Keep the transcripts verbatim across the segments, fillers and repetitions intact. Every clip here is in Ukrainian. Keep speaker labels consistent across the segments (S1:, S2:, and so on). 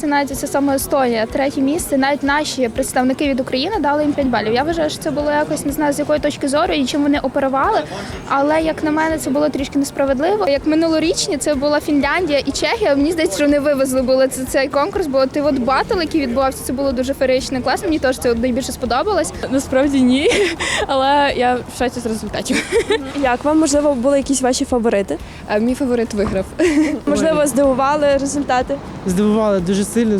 S1: це навіть це саме Естонія, третє місце, навіть наші представники від України дали їм п'ять балів. Я вважаю, що це було якось, не знаю, з якої точки зору і чим вони оперували, але, як на мене, це було трішки несправедливо. Як минулорічні, це була Фінляндія і Чехія, мені здається, що вони вивезли були цей конкурс, бо ти от батл, який відбувався, це було дуже феєрично, класно, мені теж це найбільше сподобалось.
S2: Насправді ні, але я в шоці з результатів.
S3: Як вам, можливо, були якісь ваші фаворити?
S2: Мій фаворит виграв.
S3: Можливо, здивували результати?
S4: Здивували дуже сильно.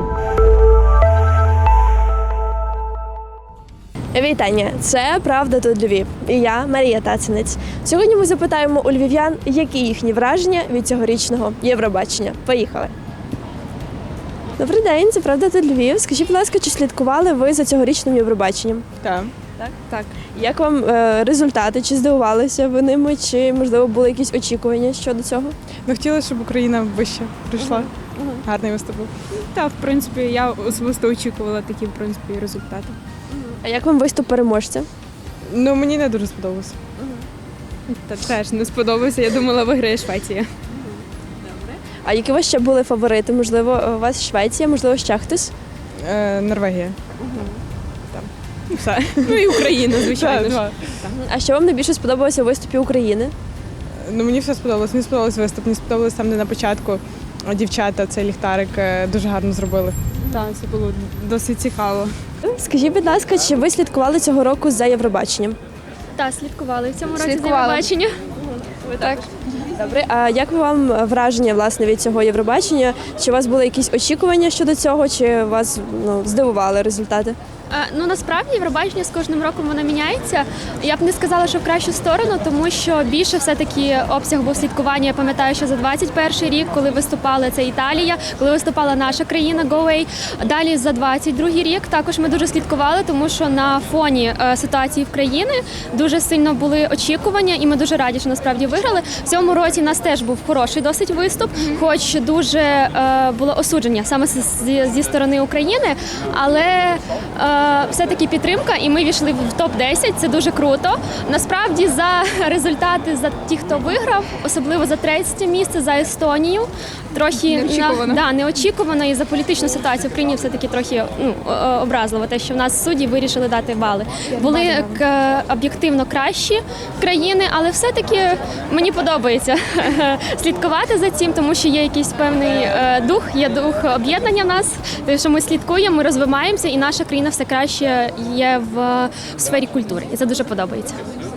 S3: Вітання! Це «Правда тут Львів» і я, Марія Тацинець. Сьогодні ми запитаємо у львів'ян, які їхні враження від цьогорічного Євробачення. Поїхали! Добрий день, це «Правда тут Львів». Скажіть, будь ласка, чи слідкували ви за цьогорічним Євробаченням?
S2: Так.
S3: Так? Так. Як вам е, результати? Чи здивувалися ви ними, чи, можливо, були якісь очікування щодо цього?
S5: Ми хотіли, щоб Україна вище прийшла. Гарний виступ був.
S6: Так, в принципі, я особисто очікувала такі, в принципі, результати.
S3: А як вам виступ переможця?
S5: Ну, мені не дуже сподобалося.
S6: Та теж не сподобався. Я думала, виграє Швеція.
S3: А які у вас ще були фаворити? Можливо, у вас Швеція, можливо, ще хтось?
S5: Е, Норвегія.
S6: Ну, все. Ну і Україна, звичайно.
S5: Так,
S6: ж.
S5: два.
S3: А що вам найбільше сподобалося у виступі України?
S5: Ну, мені все сподобалось. Мені сподобалось виступ. Мені сподобалось там, де на початку дівчата цей ліхтарик е, дуже гарно зробили.
S6: Так, це було досить цікаво.
S3: Скажіть, будь ласка, чи ви слідкували цього року за Євробаченням?
S7: Так, слідкували в цьому році
S1: Слідкували.
S7: за Євробачення.
S3: Так. Добре, а як вам враження, власне, від цього Євробачення? Чи у вас були якісь очікування щодо цього, чи вас, ну, здивували результати?
S7: Е, Ну насправді Євробачення з кожним роком воно міняється. Я б не сказала, що в кращу сторону, тому що більше все-таки обсяг був слідкування. Я пам'ятаю, що за двадцять перший рік, коли виступала це Італія, коли виступала наша країна Go Away. Далі за двадцять другий рік також ми дуже слідкували, тому що на фоні е, ситуації в країні дуже сильно були очікування, і ми дуже раді, що насправді виграли. В цьому році у нас теж був хороший досить виступ, хоч дуже е, було осудження саме зі, зі сторони України, але е, все-таки підтримка, і ми війшли в топ десять, це дуже круто. Насправді за результати, за ті, хто виграв, особливо за третє місце, за Естонію, трохи
S1: Неочікувано.
S7: На, да, неочікувано, і за політичну ситуацію в країні все-таки трохи ну, образливо, те, що в нас судді вирішили дати бали. Були к- об'єктивно кращі країни, але все-таки мені подобається слідкувати за цим, тому що є якийсь певний е, дух, є дух об'єднання в нас, тому що ми слідкуємо, ми розвиваємося, і наша країна все краще є в сфері культури. І це дуже подобається.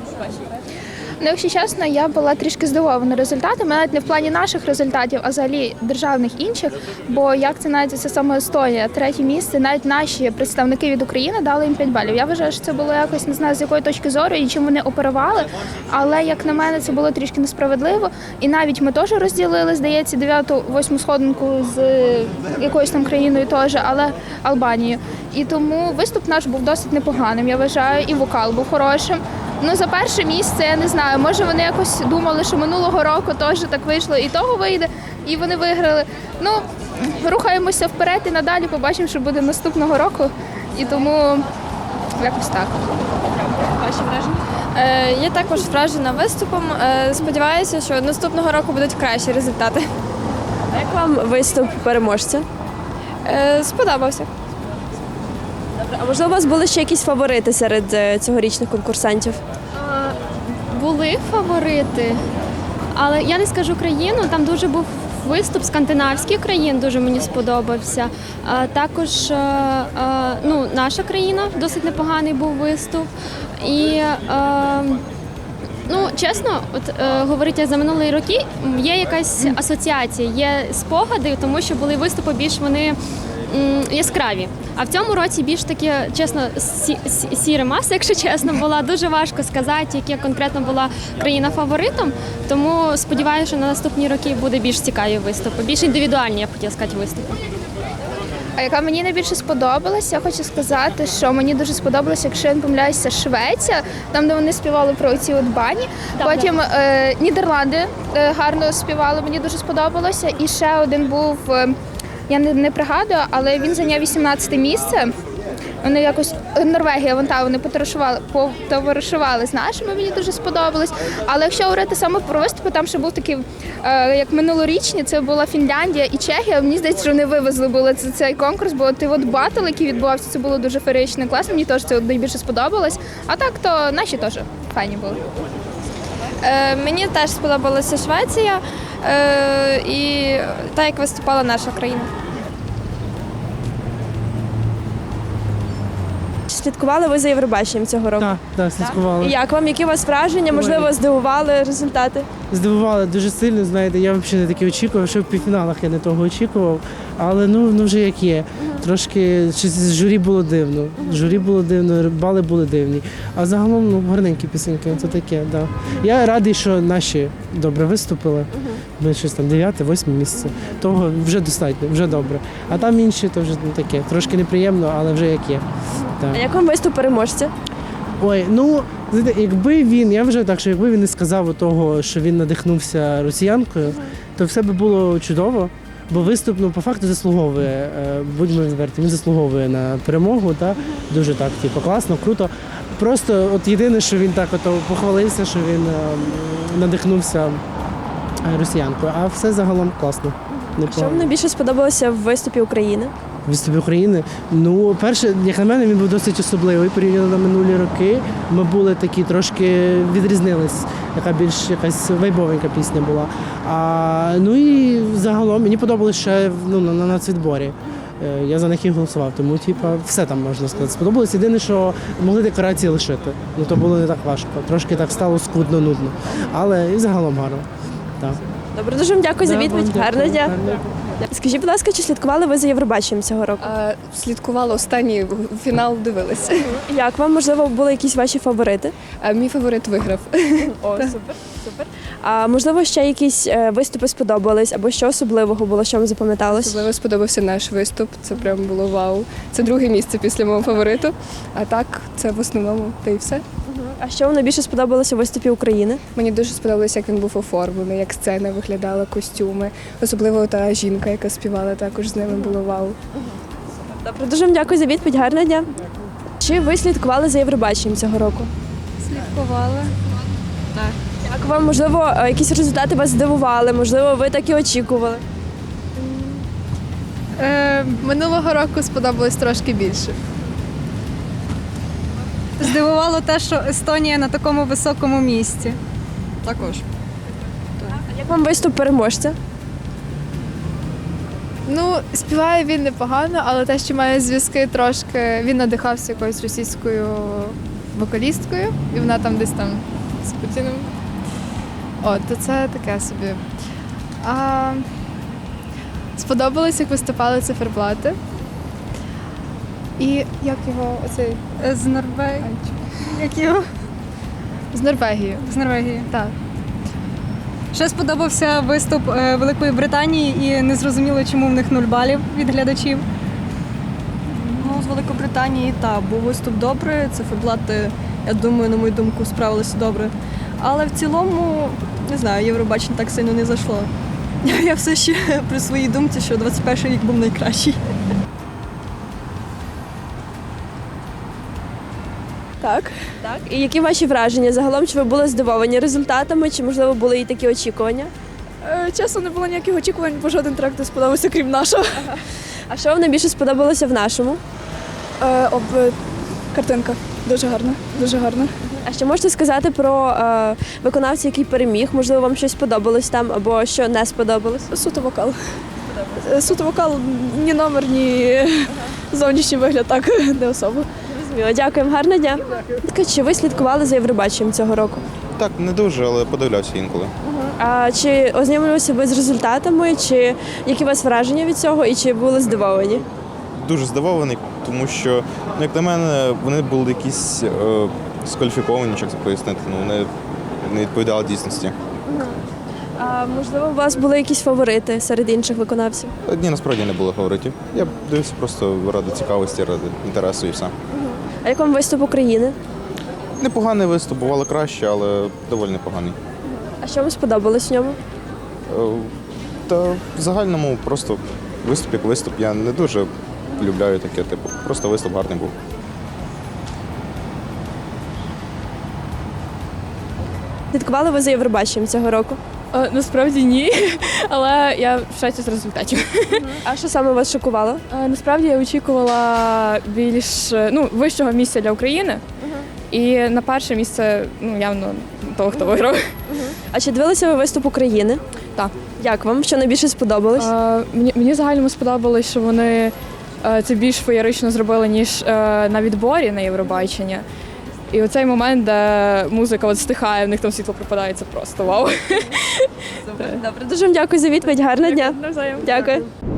S1: Ну, якщо чесно, я була трішки здивована результатами, навіть не в плані наших результатів, а взагалі державних інших. Бо як це навіть це саме Естонія, третє місце, навіть наші представники від України дали їм п'ять балів. Я вважаю, що це було якось, не знаю, з якої точки зору і чим вони оперували, але, як на мене, це було трішки несправедливо. І навіть ми теж розділили, здається, дев'яту, восьму сходинку з якоюсь там країною теж, але Албанією. І тому виступ наш був досить непоганим, я вважаю, і вокал був хорошим. Ну, за перше місце, я не знаю, може вони якось думали, що минулого року теж так вийшло, і того вийде, і вони виграли. Ну, рухаємося вперед і надалі побачимо, що буде наступного року, і тому якось так.
S3: Ваші враження?
S2: Е, я також вражена виступом. Е, сподіваюся, що наступного року будуть кращі результати.
S3: А як вам виступ переможця?
S2: Е, сподобався.
S3: А можливо, у вас були ще якісь фаворити серед е, цьогорічних конкурсантів?
S7: Е, Були фаворити, але я не скажу країну, там дуже був виступ скандинавських країн, дуже мені сподобався. А також е, е, ну, наша країна, досить непоганий був виступ. І е, ну, чесно, от е, говорити за минулі роки, є якась асоціація, є спогади, тому що були виступи більш вони м, яскраві. А в цьому році більш таки, чесно, сі, сі, сіра маса, якщо чесно, була. Дуже важко сказати, яка конкретно була країна фаворитом. Тому сподіваюся, що на наступні роки буде більш цікаві виступи, більш індивідуальні, я б хотіла сказати, виступи.
S1: А яка мені найбільше сподобалася, я хочу сказати, що мені дуже сподобалося, якщо я не помиляюся, Швеція, там, де вони співали про ці от бані.
S7: Так,
S1: Потім е, Нідерланди е, гарно співали, мені дуже сподобалося. І ще один був, е, я не, не пригадую, але він зайняв вісімнадцяте місце. Вони якось Норвегія, вон та вони потоваришували, потоваришували з нашими. Мені дуже сподобалось. Але якщо говорити саме про виступи, там ще був такий, е, як минулорічні, це була Фінляндія і Чехія. Мені здається, що вони вивезли були цей, цей конкурс, бо ти от батл, який відбувався, це було дуже феєрично класно. Мені теж це от найбільше сподобалось. А так, то наші теж файні були.
S2: Е, мені теж сподобалася Швеція е, і так, як виступала наша країна.
S3: Слідкували ви за Євробаченням цього року?
S4: Так, так, слідкували.
S3: І як вам? Які у вас враження? Можливо, здивували результати?
S4: Здивували дуже сильно, знаєте, я взагалі не таке очікував, що в півфіналах я не того очікував, але ну, ну вже як є. Трошки щось з журі було дивно. Журі було дивно, бали були дивні. А загалом ну, гарненькі пісеньки, це таке, да. Я радий, що наші добре виступили. Ми щось там дев'яте, восьме місце. Того вже достатньо, вже добре. А там інші, то вже ну, таке. Трошки неприємно, але вже як є. Так.
S3: А як вам виступ переможця?
S4: Ой, ну знаєте, якби він, я вже так, що якби він не сказав того, що він надихнувся росіянкою, то все би було чудово, бо виступ, ну, по факту заслуговує, е, будьмо відверті, він заслуговує на перемогу, та дуже так, типу, класно, круто. Просто от єдине, що він так от похвалився, що він е, надихнувся росіянкою, а все загалом класно.
S3: Що
S4: Непогано.
S3: вам найбільше сподобалося в виступі України?
S4: Виступі України. Ну, перше, як на мене, він був досить особливий порівняно на минулі роки. Ми були такі трошки відрізнились, яка більш якась вайбовенька пісня була. А, ну і загалом мені подобалось ще ну, на, на нацвідборі. Е, Я за них і голосував, тому типа, все там можна сказати. Сподобалось. Єдине, що могли декорації лишити. Ну то було не так важко. Трошки так стало скудно, нудно. Але і загалом гарно. Так.
S3: Добре, дуже вам дякую за
S4: Да,
S3: відповідь.
S4: вам дякую.
S3: Гарного дня.
S4: Гарного.
S3: Скажіть, будь ласка, чи слідкували ви за Євробаченням цього року?
S8: А, слідкувала останній фінал, дивилася.
S3: Як вам, можливо, були якісь ваші фаворити?
S8: А мій фаворит виграв.
S3: О, супер, супер. А можливо, ще якісь е, виступи сподобались, або що особливого було, що вам запам'яталось?
S8: Особливо сподобався наш виступ. Це прям було вау. Це друге місце після мого фавориту. А так, це в основному та й все.
S3: А що вам найбільше сподобалося в виступі України?
S8: Мені дуже сподобалося, як він був оформлений, як сцена виглядала, костюми. Особливо та жінка, яка співала, також з ними було вау.
S3: Добре, дуже вам дякую за відповідь. Гарного дня. Чи ви слідкували за Євробаченням цього року?
S2: Слідкувала.
S3: Як вам, можливо, е, якісь результати вас здивували, можливо, ви так і очікували?
S6: Е,
S2: Минулого року сподобалось трошки більше.
S6: здивувало те, що Естонія на такому високому місці.
S8: Також.
S3: Як вам виступ переможця?
S2: Ну, співає він непогано, але те, що має зв'язки трошки, він надихався якоюсь російською вокалісткою, і вона там десь там з Путіним. От, то це таке собі. А, сподобалось, як виступали циферблати. І як його оцей
S6: Е, З Норвегії. Як його?
S2: з Норвегії.
S6: З Норвегії.
S2: Так.
S6: Ще сподобався виступ е, Великої Британії і не зрозуміло, чому в них нуль балів від глядачів.
S9: Ну, з Великобританії, так, був виступ добре, циферблати, я думаю, на мою думку, справилися добре. Але в цілому, не знаю, Євробачення так сильно не зайшло. Я все ще при своїй думці, що двадцять перший рік був найкращий.
S3: Так. Так. І які ваші враження? Загалом, чи ви були здивовані результатами, чи, можливо, були і такі очікування?
S10: Чесно, не було ніяких очікувань, бо жоден трек не сподобався, крім нашого.
S3: А що вам найбільше сподобалося в нашому?
S10: Е, об е, картинка. Дуже гарна, дуже гарна.
S3: А що можете сказати про е, виконавця, який переміг? Можливо, вам щось сподобалось там, або що не сподобалось?
S10: Суто вокал. Е, Суто вокал, ні номер, ні зовнішній вигляд, так, не особо.
S3: Зрозуміло. Дякуємо, гарного дня. Чи ви слідкували за Євробаченням цього року?
S11: Так, не дуже, але подивлявся інколи.
S3: А чи ознайомилися ви з результатами, чи які у вас враження від цього, і чи були здивовані?
S11: Дуже здивований, тому що, ну, як на мене, вони були якісь е, скваліфіковані, як це пояснити, ну, вони не відповідали дійсності.
S3: А можливо, у вас були якісь фаворити серед інших виконавців?
S11: Ні, насправді не було фаворитів. Я дивився просто ради цікавості, ради інтересу і все.
S3: А як вам виступ України?
S11: Непоганий виступ, бувало краще, але доволі непоганий.
S3: А що вам сподобалось в ньому?
S11: Е, Та в загальному просто виступ як виступ. Я не дуже полюбляю таке, типу, просто виступ гарний був.
S3: Слідкували ви за Євробаченням цього року?
S10: Е, насправді ні, але я в шоці з результатів.
S3: А що саме вас шокувало?
S10: Е, насправді я очікувала більш е, ну, вищого місця для України. І на перше місце ну, явно того, хто виграв.
S3: А чи дивилися ви виступ України?
S10: Так.
S3: Як вам? Що найбільше сподобалось?
S10: Е, мені, мені загально сподобалось, що вони е, це більш феєрично зробили, ніж е, на відборі на Євробачення. І оцей момент, де музика от стихає, в них там світло пропадає, це просто вау.
S3: Добре, дуже вам дякую за відповідь. Гарного дня.
S10: Навзаєм.
S3: Дякую.